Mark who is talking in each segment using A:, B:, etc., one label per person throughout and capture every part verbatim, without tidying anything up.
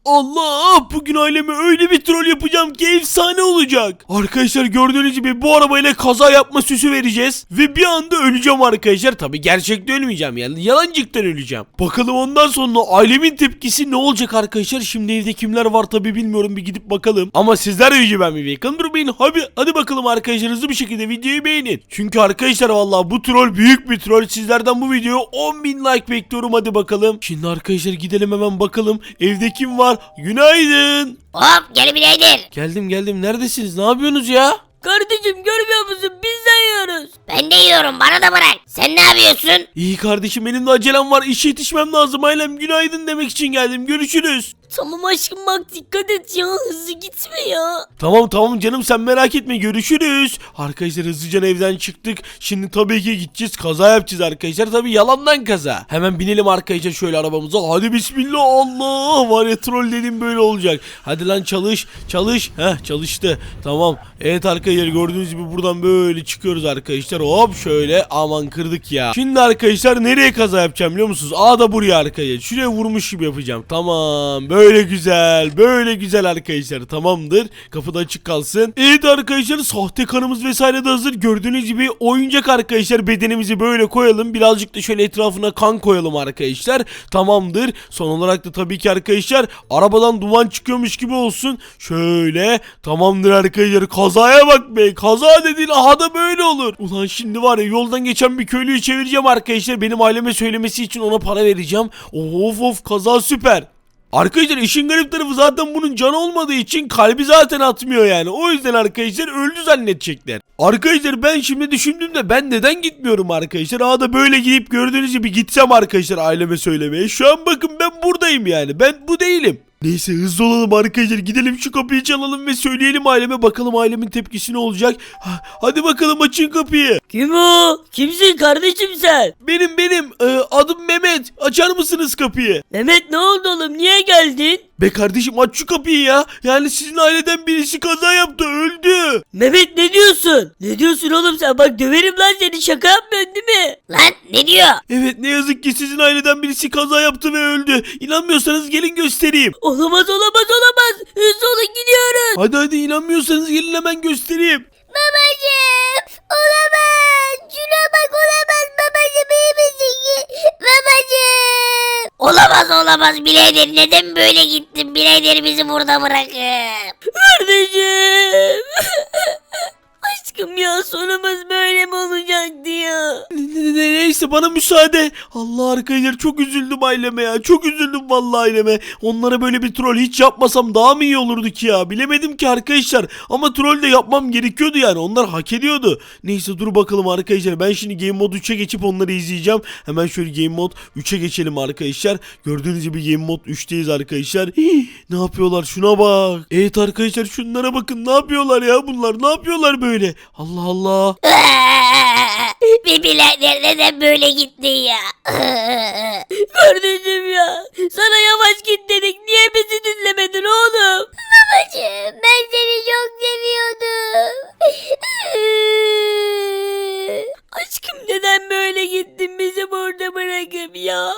A: Allah, bugün aileme öyle bir troll yapacağım ki efsane olacak. Arkadaşlar gördüğünüz gibi bu arabayla kaza yapma süsü vereceğiz. Ve bir anda öleceğim arkadaşlar. Tabi gerçekte ölmeyeceğim, yani yalancıktan öleceğim. Bakalım ondan sonra ailemin tepkisi ne olacak arkadaşlar. Şimdi evde kimler var tabi bilmiyorum, bir gidip bakalım. Ama sizler de videoyu beğenmeyi, yakın durmayın. Hadi, hadi bakalım arkadaşlar, hızlı bir şekilde videoyu beğenin. Çünkü arkadaşlar vallahi bu troll büyük bir troll. Sizlerden bu videoya on bin like bekliyorum, hadi bakalım. Şimdi arkadaşlar gidelim hemen bakalım. Evde kim var? Günaydın.
B: Hop gel birader.
A: Geldim geldim. Neredesiniz? Ne yapıyorsunuz ya?
C: Kardeşim görmüyor musun? Biz de yiyoruz.
B: Ben de yiyorum, bana da bırak. Sen ne yapıyorsun?
A: İyi kardeşim, benim de acelem var. İşe yetişmem lazım ailem. Günaydın demek için geldim. Görüşürüz.
C: Tamam aşkım bak dikkat et ya, hızlı gitme ya.
A: Tamam tamam canım, sen merak etme, görüşürüz. Arkadaşlar hızlıca evden çıktık. Şimdi tabii ki gideceğiz, kaza yapacağız arkadaşlar. Tabii yalandan kaza. Hemen binelim arkadaşlar şöyle arabamıza. Hadi bismillah. Allah var ya, troll dedim böyle olacak. Hadi lan çalış çalış. Heh çalıştı. Tamam. Evet arkadaşlar gördüğünüz gibi buradan böyle çıkıyoruz arkadaşlar. Hop şöyle, aman kırdık ya. Şimdi arkadaşlar nereye kaza yapacağım biliyor musunuz? Aa da buraya arkadaşlar. Şuraya vurmuş gibi yapacağım. Tamam. Böyle Böyle güzel, böyle güzel arkadaşlar, tamamdır. Kapı da açık kalsın. Evet arkadaşlar, sahte kanımız vesaire de hazır. Gördüğünüz gibi oyuncak arkadaşlar, bedenimizi böyle koyalım. Birazcık da şöyle etrafına kan koyalım arkadaşlar. Tamamdır. Son olarak da tabii ki arkadaşlar arabadan duman çıkıyormuş gibi olsun. Şöyle, tamamdır arkadaşlar. Kazaya bak be, kaza dediğin aha da böyle olur. Ulan şimdi var ya, yoldan geçen bir köylüyü çevireceğim arkadaşlar. Benim aileme söylemesi için ona para vereceğim. Of of, kaza süper. Arkadaşlar işin garip tarafı, zaten bunun canı olmadığı için kalbi zaten atmıyor yani. O yüzden arkadaşlar öldü zannedecekler. Arkadaşlar ben şimdi düşündüğümde ben neden gitmiyorum arkadaşlar. Aa da böyle gidip gördüğünüz gibi gitsem arkadaşlar aileme söylemeye. Şu an bakın ben buradayım yani. Ben bu değilim. Neyse hızlı olalım arkadaşlar, gidelim şu kapıyı çalalım ve söyleyelim aileme, bakalım ailemin tepkisi ne olacak. Hadi bakalım, açın kapıyı.
C: Kim o? Kimsin kardeşim sen?
A: Benim benim ee, adım Mehmet, açar mısınız kapıyı?
C: Mehmet ne oldu oğlum, niye geldin?
A: Be kardeşim aç şu kapıyı ya. Yani sizin aileden birisi kaza yaptı, öldü.
C: Mehmet ne diyorsun? Ne diyorsun oğlum sen? Bak döverim lan seni, şaka yapmıyorsun değil mi?
B: Lan ne diyor?
A: Evet, ne yazık ki sizin aileden birisi kaza yaptı ve öldü. İnanmıyorsanız gelin göstereyim.
C: Olamaz olamaz olamaz. Hızlı olun gidiyoruz.
A: Hadi hadi, inanmıyorsanız gelin hemen göstereyim.
B: Babacım olamaz. Şuna bak, olamaz babacım, iyi misin ki? Babacım. Olamaz olamaz birader, neden böyle gittin birader, bizi burada bırakıp?
C: Kardeşim. Aşkım ya, sonumuz böyle mi olacaktı ya?
A: Ne- ne- ne- Neyse bana müsaade. Allah arkadaşlar, çok üzüldüm aileme ya. Çok üzüldüm vallahi aileme. Onlara böyle bir troll hiç yapmasam daha mı iyi olurdu ki ya? Bilemedim ki arkadaşlar. Ama troll de yapmam gerekiyordu yani. Onlar hak ediyordu. Neyse dur bakalım arkadaşlar. Ben şimdi Game Mode üçe geçip onları izleyeceğim. Hemen şöyle Game Mode üçe geçelim arkadaşlar. Gördüğünüz gibi Game Mode üçteyiz arkadaşlar. Hii, ne yapıyorlar? Şuna bak. Evet arkadaşlar, şunlara bakın. Ne yapıyorlar ya bunlar? Ne yapıyorlar böyle? Allah Allah.
B: Bir birader, neden böyle gittin ya?
C: Kardeşim ya, sana yavaş git dedik, niye bizi dinlemedin oğlum?
B: Babacım ben seni çok seviyordum.
C: Aşkım neden böyle gittin bizi burada bırakıp ya?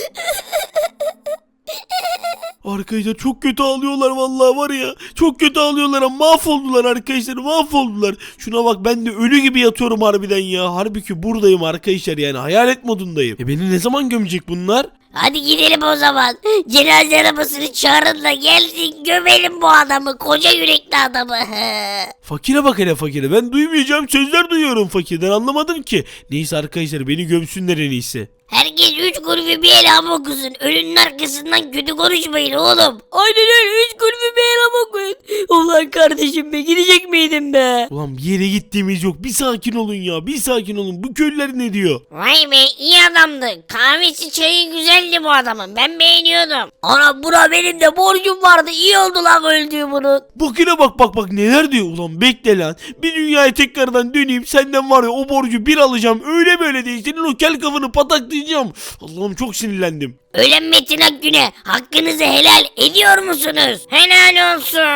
A: Arkadaşlar çok kötü ağlıyorlar vallahi var ya. Çok kötü ağlıyorlar ama mahvoldular arkadaşlar, mahvoldular. Şuna bak, ben de ölü gibi yatıyorum harbiden ya. Halbuki buradayım arkadaşlar, yani hayalet modundayım. E beni ne zaman gömecek bunlar?
B: Hadi gidelim o zaman. Cenaze arabasını çağırın da gelsin, gömelim bu adamı, koca yürekli adamı.
A: Fakire bak hele, fakire. Ben duymayacağım sözler duyuyorum fakirden, anlamadım ki. Neyse arkadaşlar, beni gömsünler en iyisi.
B: Herkes üç kulübü bir elham okusun. Ölünün arkasından kötü konuşmayın oğlum.
C: Aynen öyle, üç kulübü bir elam okuyun. Ulan kardeşim be, gidecek miydin be?
A: Ulan bir yere gittiğimiz yok. Bir sakin olun ya, bir sakin olun. Bu köylüler ne diyor?
B: Vay be, iyi adamdı. Kahvesi çayı güzeldi bu adamın. Ben beğeniyordum.
C: Ana bura, benim de borcum vardı, iyi oldu lan öldüğü bunun.
A: Bakına bak bak bak neler diyor. Ulan bekle lan. Bir dünyaya tekrardan döneyim. Senden var ya o borcu bir alacağım. Öyle böyle değil. Senin o kel kafanı pataklayacağım. Allah'ım çok sinirlendim.
B: Ölen Metin Akgün'e hakkınızı helal ediyor musunuz? Helal olsun.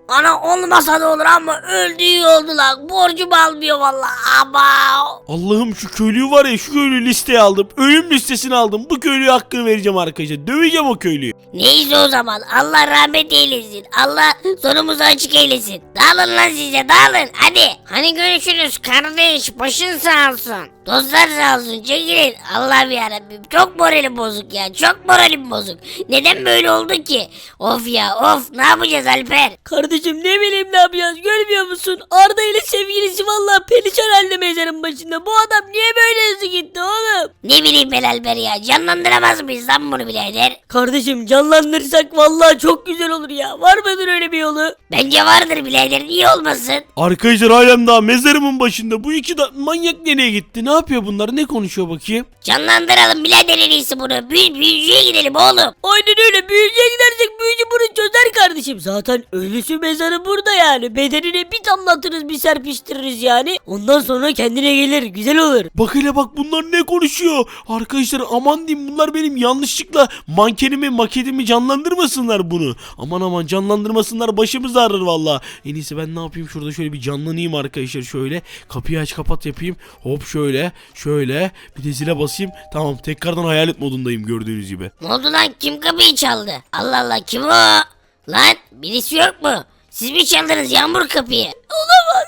B: Ana olmasa da olur ama öldü iyi oldu lan. Borcum almıyor vallahi. Ama.
A: Allah'ım şu köylüyü var ya, şu köylüyü listeye aldım. Ölüm listesine aldım. Bu köylüye hakkını vereceğim arkadaşlar. Döveceğim o köylüyü.
B: Neyse o zaman Allah rahmet eylesin. Allah sonumuzu açık eylesin. Dağılın lan size dağılın hadi. Hani görüşürüz kardeş başın sağ olsun. Dostlar sağ olsun çekilin. Allah'ım yarabbim çok moralim bozuk ya çok moralim bozuk. Neden böyle oldu ki? Of ya of ne yapacağız Alper?
C: Kardeşim ne bileyim ne yapacağız görmüyor musun? Arda ile sevgilisi vallahi perişan halde mezarın başında. Bu adam niye böyle hızlı gitti oğlum?
B: Ne bileyim ben Alper ya canlandıramaz mıyız lan bunu birader?
C: Kardeşim canlandırırsak vallahi çok güzel olur ya. Var mıdır öyle bir yolu?
B: Bence vardır birader niye olmasın?
A: Arkadaşlar halen daha mezarımın başında. Bu iki da manyak nereye gitti? Ne yapıyor bunlar? Ne konuşuyor bakayım?
B: Canlandıralım birader en iyisi bunu. Büyü, büyücüye gidelim oğlum.
C: Aynen öyle büyücüye gidersek büyücü bunu çözer kardeşim. Zaten ölüsü mezarı burada yani. Bedenine bir damlatırız bir serpiştiririz yani. Ondan sonra kendine gelir güzel olur.
A: Bak hele bak bunlar ne konuşuyor? Arkadaşlar aman diyeyim bunlar benim yanlışlıkla mankenimi maketimi canlandırmasınlar bunu. Aman aman canlandırmasınlar başımız ağrır valla. En iyisi ben ne yapayım şurada şöyle bir canlanayım arkadaşlar şöyle. Kapıyı aç kapat yapayım. Hop şöyle şöyle bir de zile basayım. Tamam tekrardan hayalet modundayım gördüğünüz gibi.
B: Ne oldu lan kim kapıyı çaldı? Allah Allah kim o? Lan birisi yok mu? Siz mi çaldınız Yağmur kapıyı?
C: Olamaz.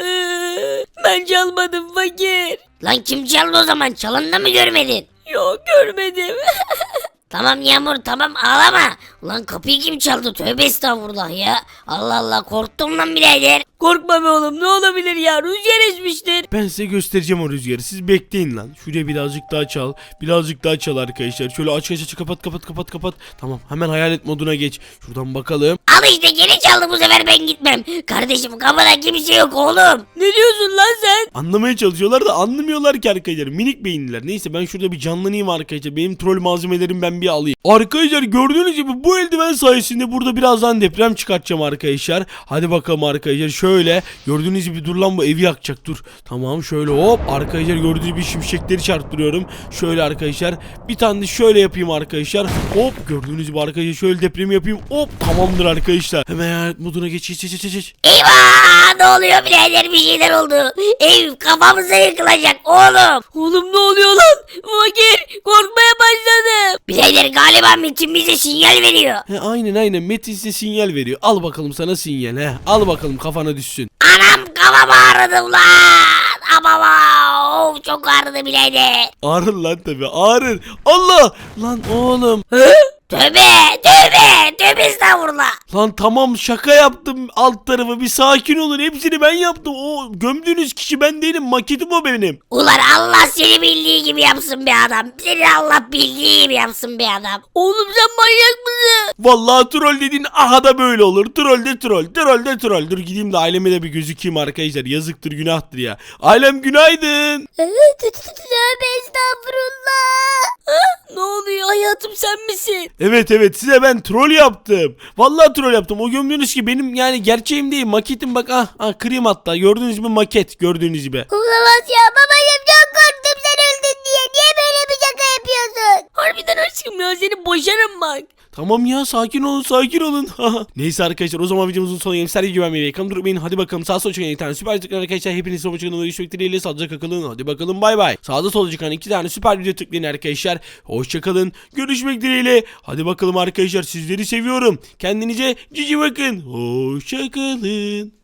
C: Ben çalmadım fakir.
B: Lan kim çaldı o zaman? Çalını da mı görmedin?
C: Yok görmedim.
B: Tamam Yağmur tamam ağlama. Ulan kapıyı kim çaldı? Tövbe estağfurullah ya. Allah Allah korktum lan birader.
C: Korkma be oğlum ne olabilir ya rüzgar esmiştir.
A: Ben size göstereceğim o rüzgarı. Siz bekleyin lan. Şuraya birazcık daha çal. Birazcık daha çal arkadaşlar. Şöyle aç aç aç kapat kapat kapat kapat. Tamam hemen hayalet moduna geç. Şuradan bakalım.
B: Al işte geri çaldı bu sefer ben gitmem. Kardeşim kapıda kimse yok oğlum.
C: Ne diyorsun lan sen?
A: Anlamaya çalışıyorlar da anlamıyorlar ki arkadaşlar. Minik beyinliler. Neyse ben şurada bir canlanayım arkadaşlar. Benim troll malzemelerimi ben bir alayım. Arkadaşlar gördüğünüz gibi bu eldiven sayesinde burada birazdan deprem çıkartacağım arkadaşlar. Hadi bakalım arkadaşlar şöyle. Gördüğünüz gibi dur lan bu evi yakacak dur. Tamam şöyle hop. Arkadaşlar gördüğünüz gibi şimşekleri çarptırıyorum. Şöyle arkadaşlar. Bir tane de şöyle yapayım arkadaşlar. Hop gördüğünüz gibi arkadaşlar şöyle depremi yapayım. Hop tamamdır arkadaşlar. Hemen hayalet moduna geç geç geç geç, geç.
B: Eyvah ne oluyor birader bir şeyler oldu. Ev kafamıza yıkılacak oğlum.
C: Oğlum ne oluyor lan? Fakir korkmaya başladım.
B: Birader galiba Metin bize sinyal veriyor.
A: He, aynen aynen Metin size sinyal veriyor. Al bakalım sana sinyal he. Al bakalım kafana düşsün.
B: Anam kafam ağrıdı lan. Ama of çok ağrıdı birader.
A: Ağrır lan tabi ağrır. Allah lan oğlum.
B: Tövbe tövbe tövbe estağfurullah.
A: Lan tamam şaka yaptım alt tarafı bir sakin olun hepsini ben yaptım. O gömdüğünüz kişi ben değilim maketim o benim.
B: Ulan Allah seni bildiği gibi yapsın be adam. Seni Allah bildiği gibi yapsın be adam.
C: Oğlum sen manyak mısın?
A: Vallahi troll dediğin aha da böyle olur. Troll de troll troll de troll. Dur gideyim de aileme de bir gözükeyim arkadaşlar yazıktır günahtır ya. Ailem günaydın.
B: Tövbe estağfurullah.
C: Ne oluyor hayatım sen misin?
A: Evet evet size ben troll yaptım. Vallahi troll yaptım. O gömdüğünüz ki benim yani gerçeğim değil maketim bak ah, ah kırayım hatta gördüğünüz gibi maket gördüğünüz gibi.
B: Olamaz ya babacığım çok korktum sen öldün diye. Niye böyle bir şaka yapıyorsun?
C: Harbiden aşkım ya seni boşarım bak.
A: Tamam ya sakin olun sakin olun. Neyse arkadaşlar o zaman videomuzun sonuna gelip sergi güvenmeyi ve yakın durmayın. Hadi bakalım sağ sol çıkan iki tane süper tıklayın arkadaşlar. Hepiniz son çıkan görüşmek dileğiyle sağlıcakla kalın. Hadi bakalım bay bay. Sağda solda çıkan iki tane süper video tıklayın arkadaşlar. Hoşçakalın. Görüşmek dileğiyle. Hadi bakalım arkadaşlar sizleri seviyorum. Kendinize cici bakın. Hoşçakalın.